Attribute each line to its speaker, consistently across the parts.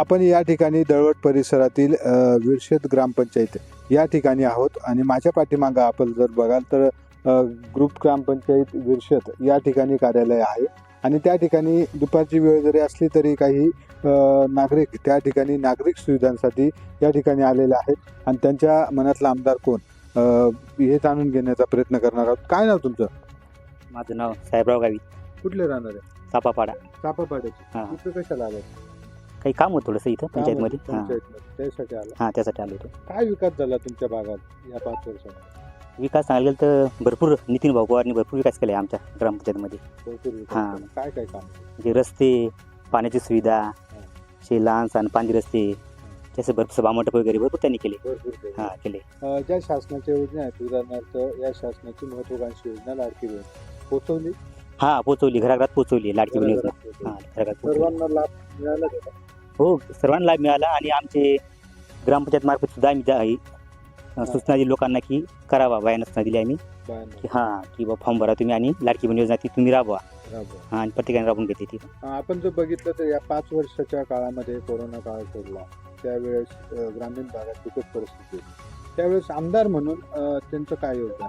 Speaker 1: आपण या ठिकाणी दळवट परिसरातील विरशेत ग्रामपंचायत या ठिकाणी आहोत आणि माझ्या पाठीमागं आपण जर बघाल तर ग्रुप ग्रामपंचायत विरशेत या ठिकाणी कार्यालय आहे आणि त्या ठिकाणी दुपारची वेळ जरी असली तरी काही नागरिक त्या ठिकाणी नागरिक सुविधांसाठी या ठिकाणी आलेले आहेत आणि त्यांच्या मनातला आमदार कोण हे जाणून घेण्याचा प्रयत्न करणार आहोत. काय नाव तुमचं?
Speaker 2: माझं नाव साहेबराव गावी,
Speaker 1: कुठले राहणार आहे?
Speaker 2: चापापाडा.
Speaker 1: चापापाड्याचे.
Speaker 2: हां.
Speaker 1: इथं कशाला आलं?
Speaker 2: काही काम होतं थोडंसं इथं पंचायतमध्ये. हां
Speaker 1: त्यासाठी आलं.
Speaker 2: हां, त्यासाठी आलो होतो.
Speaker 1: काय विकास झाला तुमच्या भागात या 5 वर्षात?
Speaker 2: विकास सांगायला गेलं तर भरपूर नितीन भाऊ पवारने भरपूर विकास केला आहे आमच्या ग्रामपंचायतमध्ये.
Speaker 1: भरपूर विकास
Speaker 2: हां.
Speaker 1: झाला. काय काय काम?
Speaker 2: म्हणजे रस्ते, पाण्याची सुविधा, असे लहान सहान पाणी रस्ते, जसे भरपूर सभामंडप वगैरे भरपूर त्यांनी केले.
Speaker 1: भरपूर केलं.
Speaker 2: हां, केले.
Speaker 1: ज्या शासनाच्या योजना आहेत उदाहरणार्थ या शासनाची महत्वाकांक्षी योजना लाडकी बहीण पोहोचवली.
Speaker 2: हां, पोचवली, घराघरात पोचवली लाडकी बहीण योजना. हां, घराघरात पोचवली.
Speaker 1: सर्वांना लाभ मिळाला का?
Speaker 2: हो, सर्वांना लाभ मिळाला आणि आमचे ग्रामपंचायत मार्फत सुद्धा आम्ही सूचना दिली लोकांना की करावा, बायांना सूचना दिली आम्ही की हां की बा फॉर्म भरा तुम्ही आणि लाडकी बहीण योजना ती तुम्ही राबवा. हां, आणि प्रत्येकाने राबवून घेतली ती.
Speaker 1: आपण जर बघितलं तर या 5 वर्षाच्या काळामध्ये कोरोना काळ पडला त्यावेळेस ग्रामीण भागात बिकट परिस्थिती होती. त्यावेळेस आमदार म्हणून त्यांचं काय योगदान?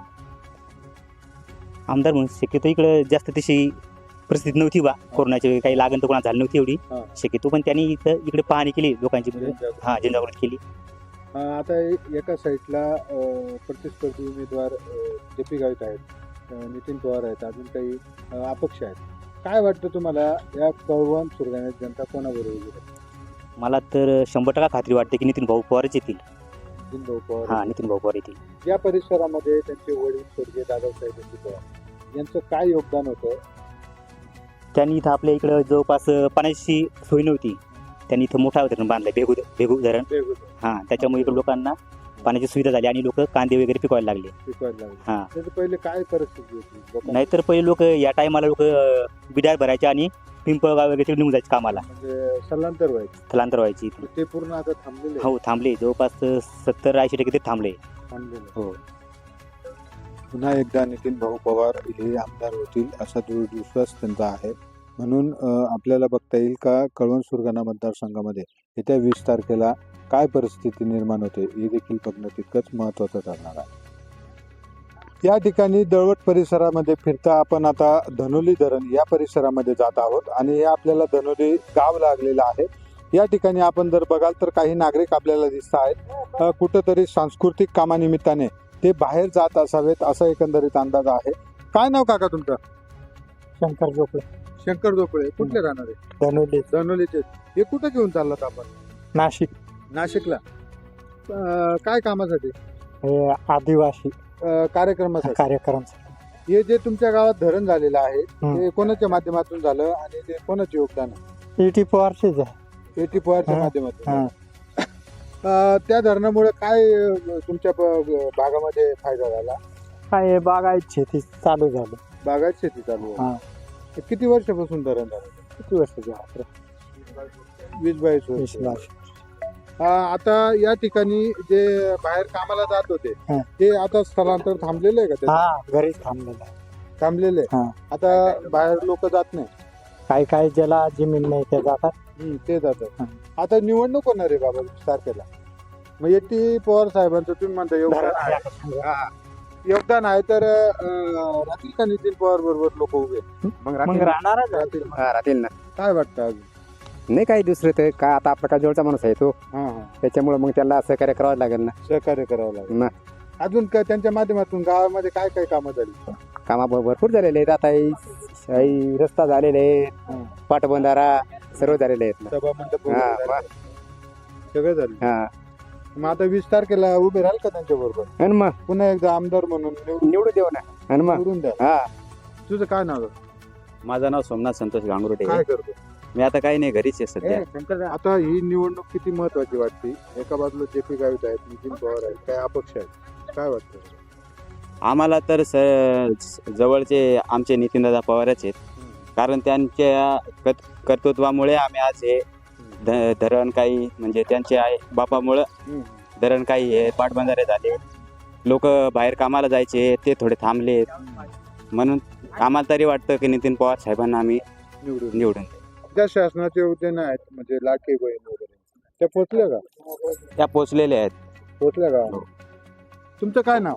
Speaker 2: आमदार म्हणून शक्यतो इकडं जास्त तशी परिस्थिती नव्हती बा, कोरोनाची काही लागण तर कोणाला झाली नव्हती एवढी शक्यतो, पण त्यांनी इकडे पाहणी केली लोकांची. हां, जनजागृती केली.
Speaker 1: आता एका साईडला प्रतिस्पर्धी उमेदवार जे.पी. गावित आहेत, नितीन पवार आहेत, अजून काही अपक्ष आहेत. काय वाटतं तुम्हाला या कळवण सुरगाण्यात जनता कोणाबरोबर येईल?
Speaker 2: मला तर 100% खात्री वाटते की नितीन भाऊ पवारच येतील.
Speaker 1: नितीन भाऊ पवार.
Speaker 2: हां, नितीन भाऊ पवार येतील.
Speaker 1: या परिसरामध्ये त्यांचे वडील स्वर्गीय दादासाहेब पवार यांचं काय योगदान होतं?
Speaker 2: त्यांनी इथं आपल्या इकडं जवळपास पाण्याची सोय नव्हती, त्यांनी इथं मोठा धरण बांधलं, बेगू धरण. हां, त्याच्यामुळे इकडे लोकांना पाण्याची सुविधा झाली आणि लोक कांदे वगैरे पिकवायला लागले. हां,
Speaker 1: पहिले काय परिस्थिती होती?
Speaker 2: नाहीतर पहिले लोक या टायमाला बिडार भरायचे आणि पिंपळगाव वगैरे तिकडे निघून जायचे कामाला,
Speaker 1: म्हणजे स्थलांतर
Speaker 2: व्हायची इथून.
Speaker 1: ते पूर्ण आता थांबलेले?
Speaker 2: हो, थांबले. जवळपास 70-80% ते थांबले. हो.
Speaker 1: पुन्हा एकदा नितीन भाऊ पवार हे आमदार होतील असा दृढ विश्वास त्यांचा आहे. म्हणून आपल्याला बघता येईल का कळवण सुरगाणा मतदारसंघामध्ये येत्या 20 तारखेला काय परिस्थिती निर्माण होते हे देखील बघणं तितकंच महत्त्वाचं ठरणार आहे. या ठिकाणी दळवट परिसरामध्ये फिरता आपण आता धनोली धरण या परिसरामध्ये जात आहोत आणि हे आपल्याला धनोली गाव लागलेलं आहे. या ठिकाणी आपण जर बघाल तर काही नागरिक आपल्याला दिसत आहेत, कुठंतरी सांस्कृतिक कामानिमित्ताने ते बाहेर जात असावेत असा एकंदरीत अंदाज आहे. काय नाव काका तुमचं?
Speaker 3: शंकर जोपळे.
Speaker 1: शंकर जोपळे. कुठले राहणार आहे?
Speaker 3: धनोली.
Speaker 1: धनोलीचे. हे कुठे घेऊन चाललात आपण?
Speaker 3: नाशिक.
Speaker 1: नाशिकला. काय कामासाठी?
Speaker 3: आदिवासी
Speaker 1: कार्यक्रमासाठी. हे जे तुमच्या गावात धरण झालेलं आहे ते कोणाच्या माध्यमातून झालं आणि ते कोणाचे योगदान आहे?
Speaker 3: एटी पवारचेच आहे.
Speaker 1: एटी पवारच्या माध्यमातून. त्या धरणामुळे काय तुमच्या भागामध्ये फायदा झाला?
Speaker 3: काय बागायत शेती चालू झालं.
Speaker 1: बागायत शेती चालू आहे. किती वर्षापासून धरण झालं?
Speaker 3: किती वर्षाचे?
Speaker 1: 20-22 वर्ष. आता या ठिकाणी जे बाहेर कामाला जात होते ते आता स्थलांतर थांबलेले आहे का?
Speaker 3: घरीच
Speaker 1: थांबलेले. आता बाहेर लोक जात नाही.
Speaker 3: काही काही ज्याला जमीन नाही ते जातात.
Speaker 1: ते जातात. आता निवडणूक होणार आहे बाबा 20 तारखेला. मग एटी पवार साहेबांचं तुम्ही म्हणता योगदान आहे तर राहतील का नितीन पवार बरोबर लोक उभे?
Speaker 3: मग राहणारच
Speaker 1: राहतील ना. काय वाटतं अजून?
Speaker 4: नाही काही दुसरं तर काय, आता आपला काय जवळचा माणूस आहे तो, त्याच्यामुळे मग त्याला सहकार्य करावं लागेल ना.
Speaker 1: सहकार्य करावं लागेल. अजून काय त्यांच्या माध्यमातून गावामध्ये काय काय कामं झाली?
Speaker 4: कामा भरपूर झालेले आहेत. आता रस्ता झालेले आहेत, पाटबंधारा सर्व झालेले आहेत.
Speaker 1: सभा मंडप सगळं झालं.
Speaker 4: हा,
Speaker 1: मग आता 20 तारखेला उभे राहाल का त्यांच्या बरोबर?
Speaker 4: आणि मग
Speaker 1: पुन्हा एकदा आमदार म्हणून
Speaker 4: निवडून देऊ ना. आणि मग
Speaker 1: निवडून द्या.
Speaker 4: हा.
Speaker 1: तुझं काय नाव?
Speaker 2: माझं नाव सोमनाथ संतोष गांगुर्डे.
Speaker 1: काय करतो?
Speaker 2: मी आता काही नाही, घरीच आहे सध्या.
Speaker 1: आता ही निवडणूक किती महत्वाची वाटते? एका बाजूला जे.पी. गावित आहेत, नितीन पवार आहेत, काय अपक्ष आहेत. काय वाटतं?
Speaker 2: आम्हाला तर जवळचे आमचे नितीनदादा पवारच आहेत, कारण त्यांच्या कर्तृत्वामुळे आम्ही आज हे धरण काही म्हणजे त्यांचे बापामुळं धरण काही हे पाटबंधारे झाले. लोक बाहेर कामाला जायचे ते थोडे थांबले, म्हणून आम्हाला तरी वाटतं की नितीन पवार साहेबांना आम्ही निवडून.
Speaker 1: ज्या शासनाचे उद्यान आहेत म्हणजे लाडकी बहीण वगैरे त्या पोचल्या का?
Speaker 2: त्या पोचलेल्या आहेत.
Speaker 1: पोचल्या का? तुमचं काय नाव?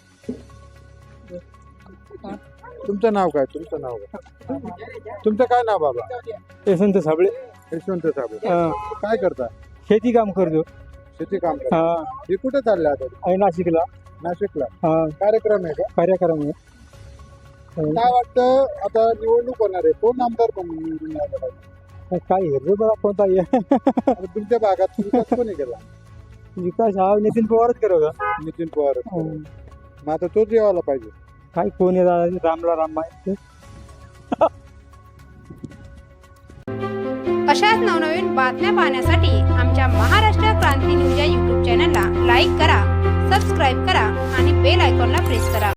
Speaker 1: तुमचं नाव काय? तुमचं काय नाव बाबा?
Speaker 3: यशवंत साबळे.
Speaker 1: यशवंत साहेब. काय करता?
Speaker 3: शेती काम करतो.
Speaker 1: शेती काम करता. हे कुठे चालले आता?
Speaker 3: नाशिकला
Speaker 1: नाशिकला कार्यक्रम आहे का?
Speaker 3: कार्यक्रम आहे.
Speaker 1: काय वाटतं आता निवडणूक होणार आहे, कोण आमदार कोण निवडून यायला पाहिजे?
Speaker 3: काय हिरवे बघा कोणता
Speaker 1: आता तुमच्या भागात विकास कोणी केला?
Speaker 3: विकास हा नितीन पवारच करू का?
Speaker 1: नितीन पवार. मग आता तोच यायला पाहिजे.
Speaker 3: काय कोण आहे रामला राम माहिती.
Speaker 5: अशाच नवनवीन बातम्या पाहण्यासाठी आमच्या महाराष्ट्र क्रांती न्यूज या यूट्यूब चॅनलला लाईक करा, सबस्क्राईब करा आणि बेल आयकॉनला प्रेस करा.